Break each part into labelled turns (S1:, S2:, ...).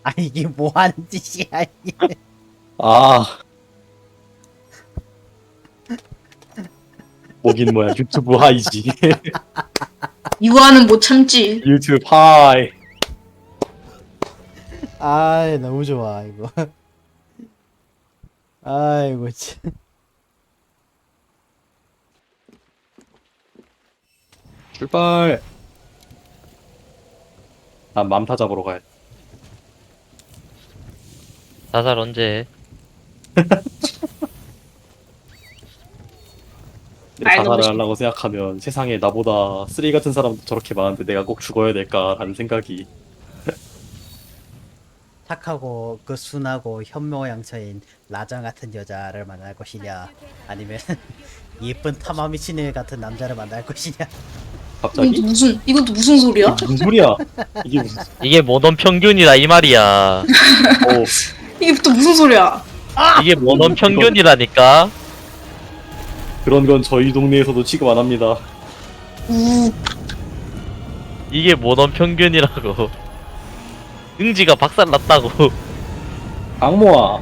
S1: 이게 뭐 하는 짓이야 이게.
S2: 아, 뭐긴 뭐야. 유튜브 하이지.
S3: 이거는 못 참지.
S2: 유튜브 하이.
S1: 아 너무 좋아 이거. 아이고 참.
S2: 출발. 난 맘타 잡으러 가야 돼.
S4: 자살 언제 해?
S2: 내
S3: 알고
S2: 자살을
S3: 싶-
S2: 하려고 생각하면 세상에 나보다 쓰레기 같은 사람도 저렇게 많은데 내가 꼭 죽어야 될까라는 생각이.
S1: 착하고 그 순하고 현모양처인 라장 같은 여자를 만날 것이냐, 아니면 예쁜 타마 미친 애 같은 남자를 만날 것이냐.
S2: 갑자기?
S3: 이것도 무슨 소리야?
S2: 이게 무슨 소리야? 이게 무슨?
S4: 이게 모던 평균이다 이 말이야.
S2: 어,
S3: 이게 또 무슨 소리야?
S4: 이게 모던 평균이라니까.
S2: 그런 건 저희 동네에서도 취급 안 합니다.
S3: 우.
S4: 이게 모던 평균이라고. 응지가 박살났다고.
S2: 악모아,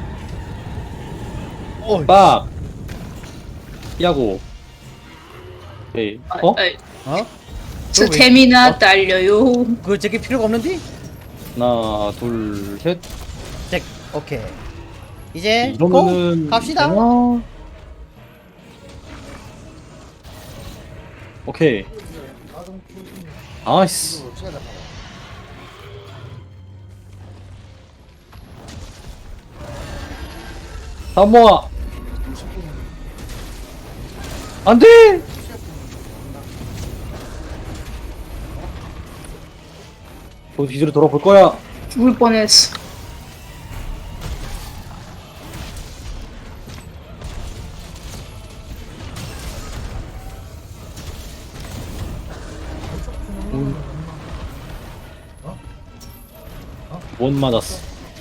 S1: 어,
S2: 빡, 야구. 에이, 어?
S1: 어?
S3: 스태미나 딸려요.
S1: 그거 저기 필요가 없는데?
S2: 하나, 둘, 셋.
S1: 잭, 오케이. 이제
S2: 이러면은
S1: 고! 갑시다.
S2: 되나? 오케이. 아이씨. 사모아. 안 돼! 저 뒤로 돌아볼 거야.
S3: 죽을 뻔했어.
S2: 못 맞았어.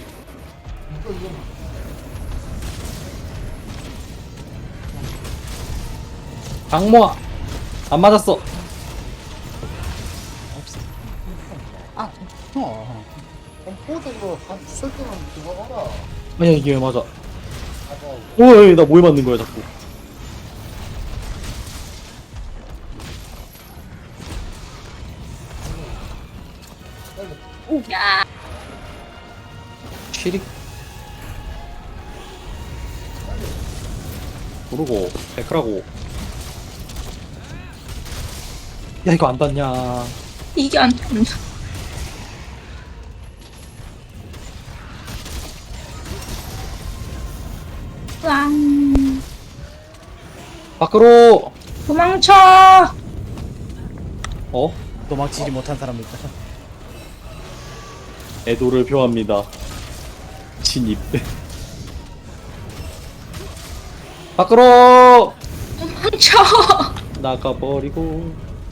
S2: 악모아. 안 맞았어.
S5: 컴포즈로 한 설정은 그거 봐라.
S2: 아니야 이게 왜 맞아? 오이 나 뭐에 맞는 거야 자꾸.
S3: 야.
S2: 취릭. 모르고 백크라고. 야 이거 안 닿냐?
S3: 이게 안 된다. 왕.
S2: 밖으로.
S3: 도망쳐.
S2: 어?
S1: 도망치지 못한 사람도 있다.
S2: 애도를 표합니다. 진입. 밖으로
S3: 도망쳐.
S2: 나가버리고.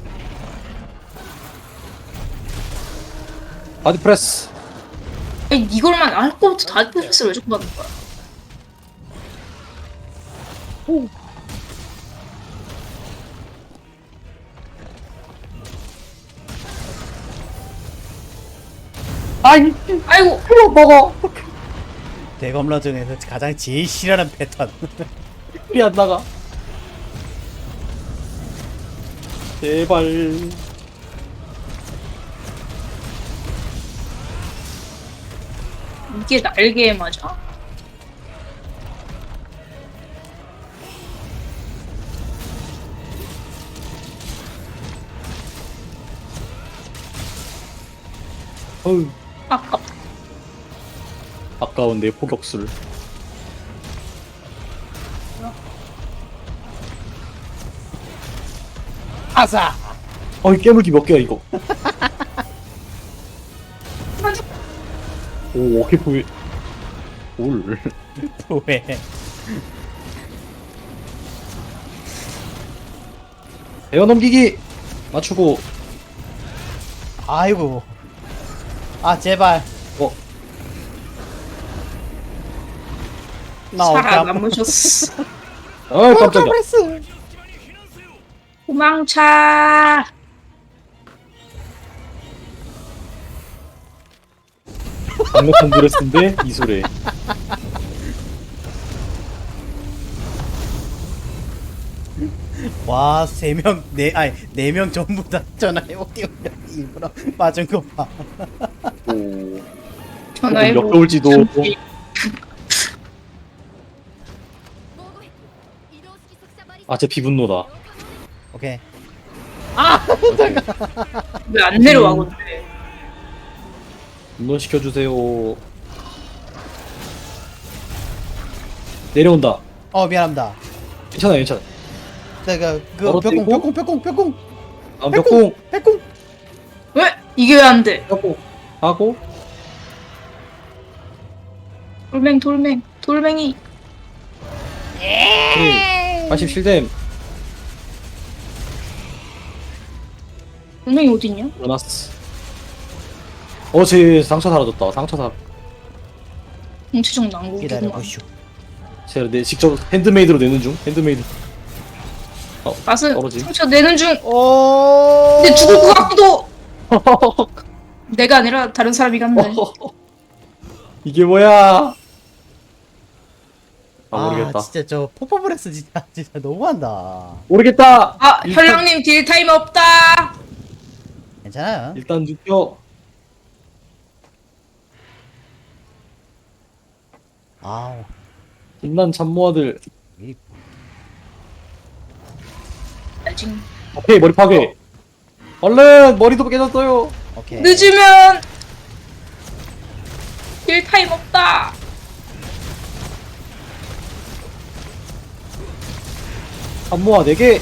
S2: 바디 프레스.
S3: 아니 이걸만 할 거부터 다 패스를 왜 자꾸 받는 거야?
S2: 아이
S3: 아이고.
S2: 먹어.
S1: 대검라 중에서 가장 제일 싫어하는 패턴.
S2: 우리 안 나가. 제발.
S3: 이게 날개에 맞아?
S2: 어우
S3: 아깝다.
S2: 아까운 내 포격술.
S1: 아사.
S2: 어이 깨물기 몇 개야 이거. 오 오케이 보이. 올.
S1: 왜?
S2: 에어 넘기기 맞추고.
S1: 아이고. 아 제발.
S2: 어
S1: 나 어깨 아파.
S3: 살아남으셨어.
S2: 아 깜짝이야.
S3: 도망쳐.
S2: 강력한 드레스인데 이소래.
S1: 와, 3명, 아니, 4명 전부 다 전화해 오디오 일부러 빠진 거 봐.
S2: 오.
S3: 전화해보.
S2: 역겨울지도. 아, 제 비분노다.
S1: 오케이.
S3: 왜 안 내려와 근데?
S2: 분노 시켜주세요. 내려온다.
S1: 미안합니다.
S2: 괜찮아, 괜찮아.
S1: 내가 그
S2: 떨어뜨리고?
S1: 벽공.
S2: 다음 벽공,
S3: 왜 이게 왜 안 돼?
S2: 벽공 하고
S3: 돌멩이.
S2: 오케이. 87댐
S3: 돌멩이 어디 있냐?
S2: 일어났어. 제 상처 사라졌다. 상처 사.
S3: 공치적 난국이구만.
S1: 기다려보시오.
S2: 제가 직접 핸드메이드로 내는 중. 핸드메이드.
S3: 맛은
S2: 떨어짐.
S3: 상처 내는 중.
S1: 오.
S3: 근데 죽을 것 같기도. 내가 아니라 다른 사람이 갔네.
S2: 이게 뭐야? 모르겠다.
S1: 진짜 저 포퍼브레스 진짜 너무한다.
S2: 모르겠다.
S3: 아 현랑님 딜 타임 없다.
S1: 괜찮아요.
S2: 일단 눕혀.
S1: 아우.
S2: 빛난 참모아들.
S3: 지금
S2: 오케이, 머리 파괴. 얼른 머리도 깨졌어요.
S1: 오케이.
S3: 늦으면 딜 타임 없다.
S2: 참모아 4개.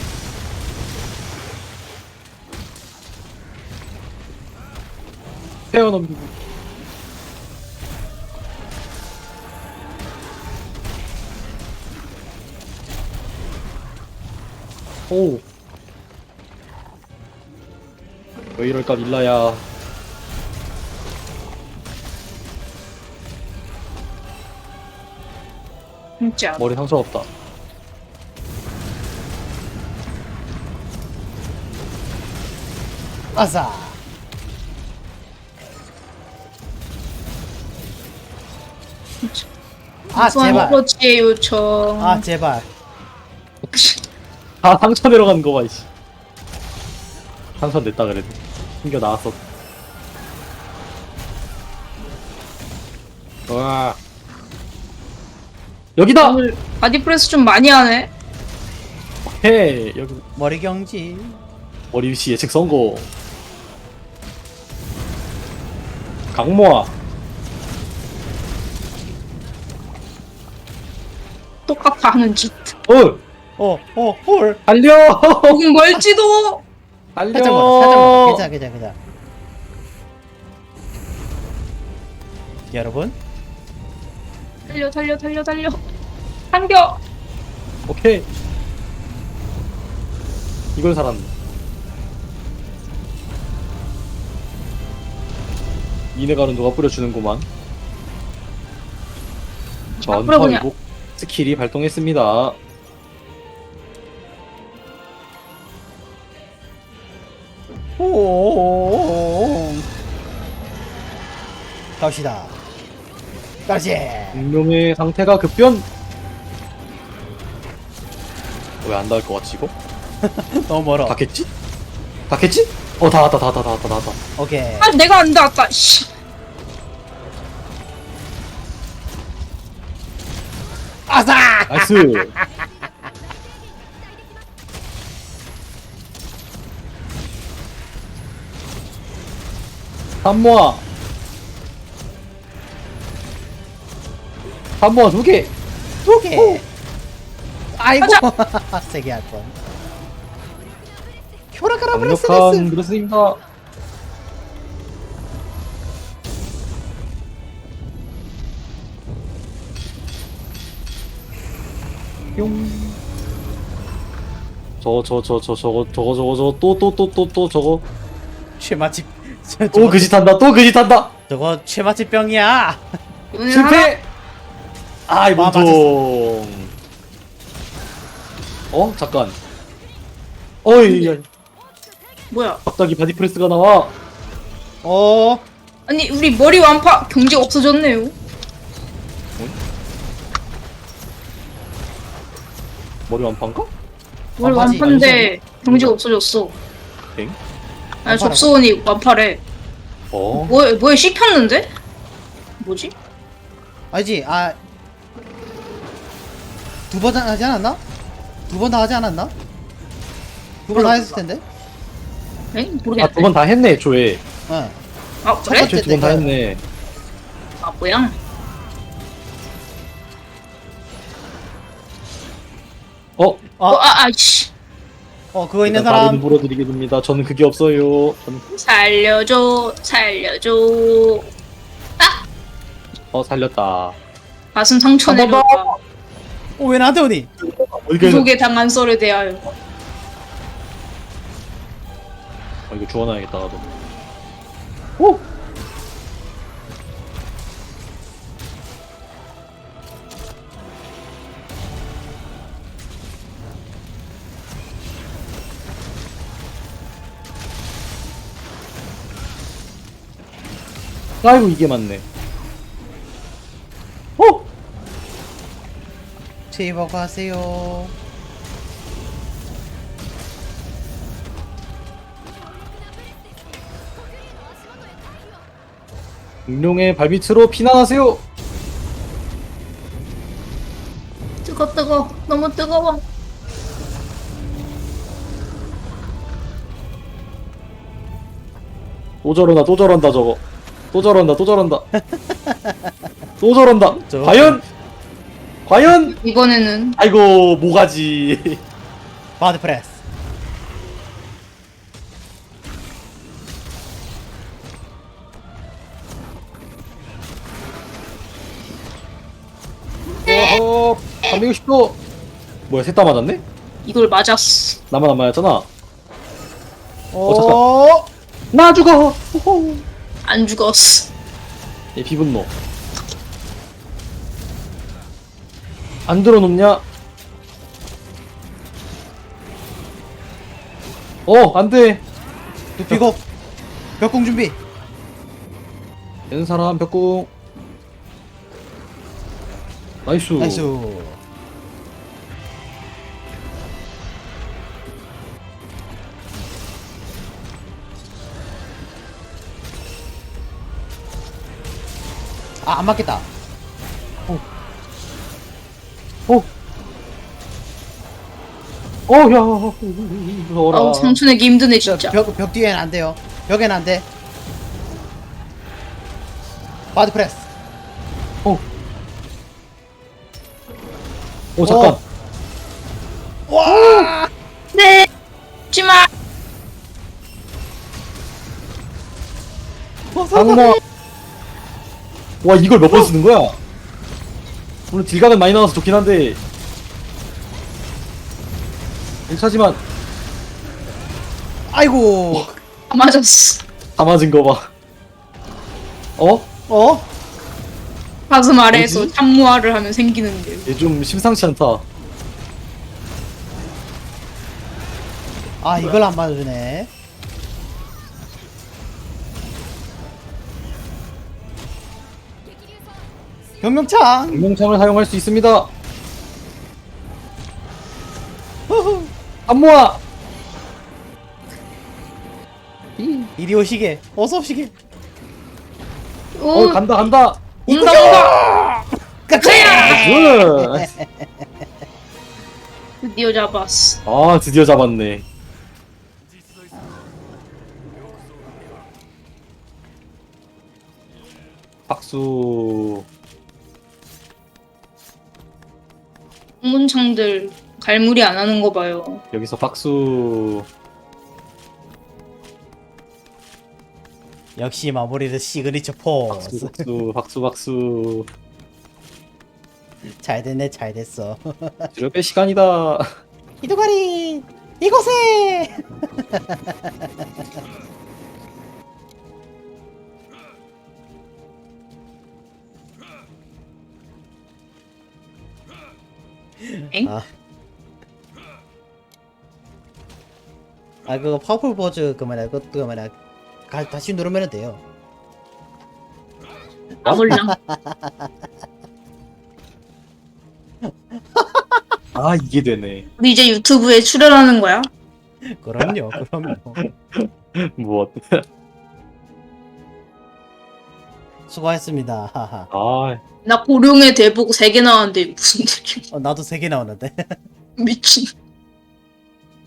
S2: 태어넘기고. 오. 왜 이럴까 밀라야.
S3: 진짜.
S2: 머리 상처 없다.
S1: 아싸. 제발.
S3: 코치의 요청.
S1: 제발.
S2: 상처 내려가는 거 봐, 이씨. 상처 냈다 그래도. 숨겨 나왔어. 와. 여기다!
S3: 오늘 바디프레스 좀 많이 하네.
S2: 헤이, 여기.
S1: 머리 경지.
S2: 머리 위치 예측 성공. 강모아.
S3: 똑같아 하는 짓.
S1: 홀.
S2: 달려!
S3: 조금 멀지도.
S2: 달려!
S1: 살짝만. 괜찮아. 여러분,
S3: 달려. 당겨.
S2: 오케이. 이걸 살았네. 이네가는 누가 뿌려주는구만.
S3: 뿌려보냐.
S2: 전파위복 스킬이 발동했습니다.
S1: 오. 갑시다. 가지.
S2: 공룡의 상태가 급변. 왜 안 닿을 것 같지 이거?
S1: 너무 멀어.
S2: 닿겠지? 닿겠지? 다 왔다.
S1: 오케이.
S3: 아 내가 안 닿았다. 씨.
S1: 아싸.
S2: 나이스. 산모아 2개.
S1: 2개. 아이고. 세게 할 뻔. 큐라카라 브레스.
S2: 강력한 브레스입니다. 뿅. 저거 또 저거
S1: 최마치.
S2: 또 그짓한다.
S1: 저거 최마치 병이야.
S3: 오늘
S2: 실패. 이
S1: 맞았어.
S2: 몸통. 잠깐. 어이, 야,
S3: 뭐야?
S2: 갑자기 바디프레스가 나와.
S3: 아니 우리 머리 완파 경직 없어졌네요.
S2: 머리 완판가?
S3: 머리
S1: 완파지,
S3: 완파인데 경직 없어졌어.
S2: 엥?
S3: 아니 접수원이 완파래.
S2: 어.
S3: 뭐에 씹혔는데? 뭐지?
S1: 아니지, 아. 2번 하지 않았나? 2번 다 하지 않았나? 2번 다 했을 텐데?
S3: 에?
S2: 아,
S3: 모르겠네.
S2: 2번 다 했네, 조회.
S1: 응.
S3: 아 그래?
S1: 번째
S2: 조회 2번 다
S1: 때가-
S2: 했네.
S3: 아 뭐야? 아이씨.
S1: 그거 있는
S2: 일단 다른
S1: 사람.
S2: 물어드리게 됩니다. 저는 그게 없어요. 저는
S3: 살려줘.
S2: 살렸다.
S3: 가슴 상처
S2: 한 번
S3: 내려가.
S1: 왜 나한테 오니?
S2: 어디가
S3: 구속에 당한 썰에 대하여.
S2: 이거 주워놔야겠다 나도. 오! 아이고 이게 맞네. 오!
S1: 제이버 가세요.
S2: 공룡의 발밑으로 피난하세요.
S3: 뜨거. 너무 뜨거워.
S2: 또 저런다 또 저런다 저거. 또 저런다 또 저런다. 또 저런다.
S1: 저-
S2: 과연?
S3: 이번에는
S2: 아이고 모가지.
S1: 바드 프레스.
S2: 어허 360도. 뭐야 셋 다 맞았네?
S3: 이걸 맞았어.
S2: 나만 안 맞았잖아.
S1: 오.
S2: 나 죽어. 호호.
S3: 안 죽었어.
S2: 얘 비분노. 안 들어놓냐? 안돼.
S1: 눕히고. 벽공 준비.
S2: 되는 사람 벽궁. 나이스.
S1: 나이스. 안 맞겠다.
S2: 야, 무서워라.
S3: 아우 상처내기 힘드네 진짜.
S1: 벽 뒤에는 안 돼요. 벽에는 안 돼. 바드 프레스.
S2: 잠깐.
S1: 와!
S3: 네. 죽지마.
S2: 상마. 와, 이걸 몇 번 쓰는 거야? 물론 딜각은 많이 나와서 좋긴 한데. 1차지만
S1: 아이고.
S3: 아, 맞았어.
S2: 다 맞은 거 봐.
S1: 어?
S3: 가슴 아래에서
S2: 뭐지?
S3: 참무화를 하면 생기는 일.
S2: 얘 좀 심상치 않다.
S1: 아, 이걸 안 맞아주네. 병명창.
S2: 공룡창을 사용할 수 있습니다. 안 모아.
S1: 이리 오시게. 어서 오시게.
S3: 오,
S2: 간다.
S3: 온다.
S2: 굿.
S3: 드디어 잡았어.
S2: 아, 드디어 잡았네. 박수.
S3: 문창들 갈무리 안 하는 거 봐요.
S2: 여기서 박수.
S1: 역시 마무리는 시그니처 포스.
S2: 박수.
S1: 잘 됐네, 잘 됐어.
S2: 뒤로 뺄 시간이다.
S1: 이도가리 이곳에.
S3: 엥?
S1: 그거 파워풀 포즈 그거만 다시 누르면 돼요.
S3: 아 몰라.
S2: 아 이게 되네.
S3: 우리 이제 유튜브에 출연하는 거야?
S1: 그럼요, 그럼요.
S2: 뭐
S1: 수고했습니다. 하하.
S2: 아
S3: 나 고룡의 대보고 3개 나왔는데 무슨 일이야?
S1: 나도 3개 나왔는데.
S3: 미친.